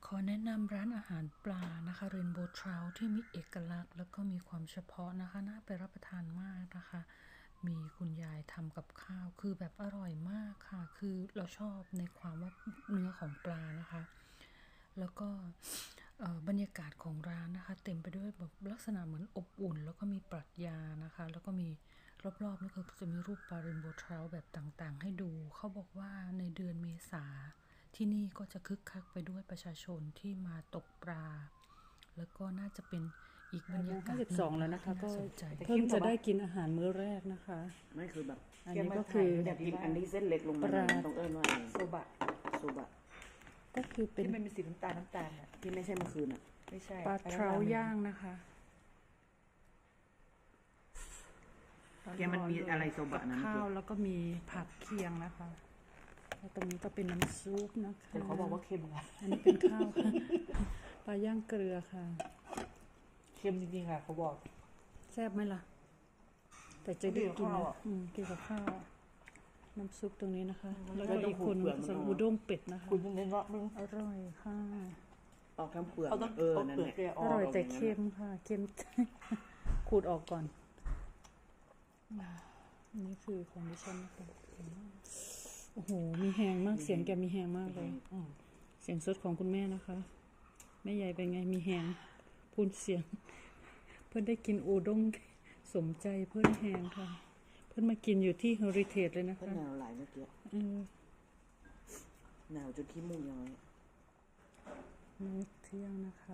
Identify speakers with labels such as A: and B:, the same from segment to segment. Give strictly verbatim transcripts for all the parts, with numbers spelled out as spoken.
A: ขอแนะนำร้านอาหารปลานะคะ Rainbow Trout ที่มีเอกลักษณ์แล้วก็มีความเฉพาะนะคะน่าไปรับประทานมากนะคะมีคุณยายทำกับข้าวคือแบบอร่อยมากค่ะคือเราชอบในความว่าเนื้อของปลานะคะแล้วก็บรรยากาศของร้านนะคะเต็มไปด้วยแบบลักษณะเหมือนอบอุ่นแล้วก็มีปรัชญานะคะแล้วก็มีรอบๆนี่คือจะมีรูปปลา Rainbow Trout แบบต่างๆให้ดูเขาบอกว่าในเดือนเมษาที่นี่ก็จะคึกคักไปด้วยประชาชนที่มาตกปลาแล้วก็น่าจะเป็นอีกบรรยากาศหนึ่ง
B: แล้วนะคะก็
A: เ
B: พิ่งจะได้กินอาหารมื้อแรกนะคะ
C: ไม่คือแบบ
B: อันนี้ก็คือ
C: อยากกินอันที่เส้นเล็กลงมาตรงเอิญว่า
D: โซบะ
C: โซบะ
B: ก็คือเป็น
D: ที่มันเป็นสีน้ำตาลน้ำตาลอ่ะ
C: ที่ไม่ใช่เมื่อคืนอ่ะ
D: ไม่ใช่
B: ปลาเทราย่างนะคะ
C: แกมันมีอะไรโซบะนั้น
B: ข้าวแล้วก็มีผักเคียงนะคะแล้วตรงนี้ก็เป็นน้ำซุปนะคะ
D: แต่เขาบอกว่าเค็มนะ
B: อันนี้เป็นข้าวค่ะปลาย่างเกลือค่ะ
D: เค็มจริงๆค่ะเขาบอก
B: แซ่บไหมล่ะแต่จะได้กินนะอืมกินกับข้าวน้ำซุปตรงนี้นะคะแล้วก็อีกคนสั่งอุด้งเป็ดนะคะ
D: คุณยังเน้นว่ามึง
B: อร่อยค่ะ
C: ออกทั้งเปลือก
D: เขาต้อง
C: เออ
D: นั่นแหละ
B: อร่อยแต่เค็มค่ะเค็มขูดออกก่อนนี่คือของดิฉันนะคะโอ้โหมีแหงมากเสียงแกมีแหงมากเลยเสียงสดของคุณแม่นะคะแม่ใหญ่เป็นไงมีแหงพูนเสียงเพื่อนได้กินอูด้งสมใจเพื่อนแหงค่ะเพื่อนมากินอยู่ที่เฮอริเทจเลยนะคะ
C: หนาวหลายเมื่อกี้หนาวจนขี้มูกย้อย
B: มื้อเที่ยงนะคะ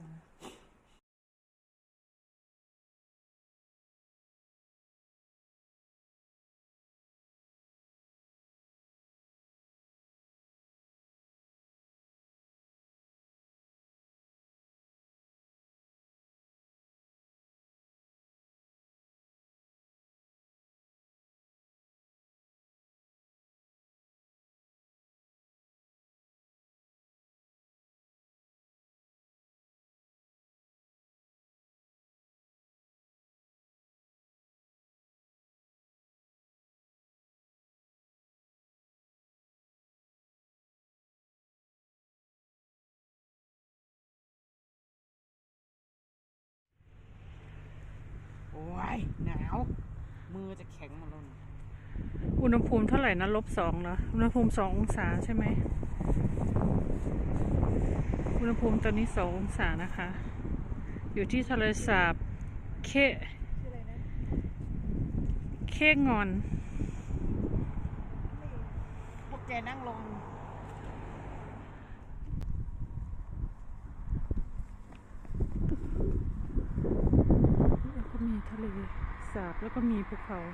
D: โอ้ยหนาวมือจะแข็งหมดแล้ว
B: อุณหภูมิเท่าไหร่นะลบสองเหรออุณหภูมิสององศาใช่ไหมอุณหภูมิตอนนี้สององศานะคะอยู่ที่ทะเลสาบเคเคงอน
D: พวกแกนั่งลง
B: แล้วก็มีทะเลสาบแล้วก็มีภูเขา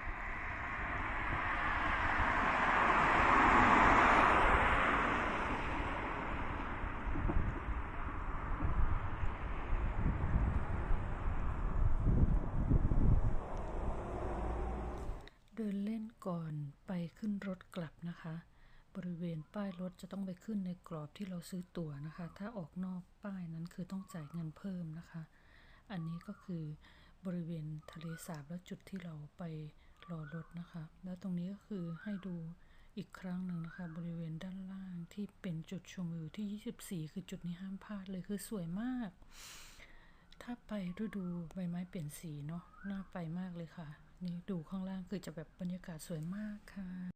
A: เดินเล่นก่อนไปขึ้นรถกลับนะคะบริเวณป้ายรถจะต้องไปขึ้นในกรอบที่เราซื้อตั๋วนะคะถ้าออกนอกป้ายนั้นคือต้องจ่ายเงินเพิ่มนะคะอันนี้ก็คือบริเวณทะเลสาบและจุดที่เราไปรอรถนะคะแล้วตรงนี้ก็คือให้ดูอีกครั้งหนึ่งนะคะบริเวณด้านล่างที่เป็นจุดชมวิวที่ยี่สิบสี่คือจุดนี้ห้ามพลาดเลยคือสวยมากถ้าไปฤดูใบไม้เปลี่ยนสีเนาะน่าไปมากเลยค่ะนี่ดูข้างล่างคือจะแบบบรรยากาศสวยมากค่ะ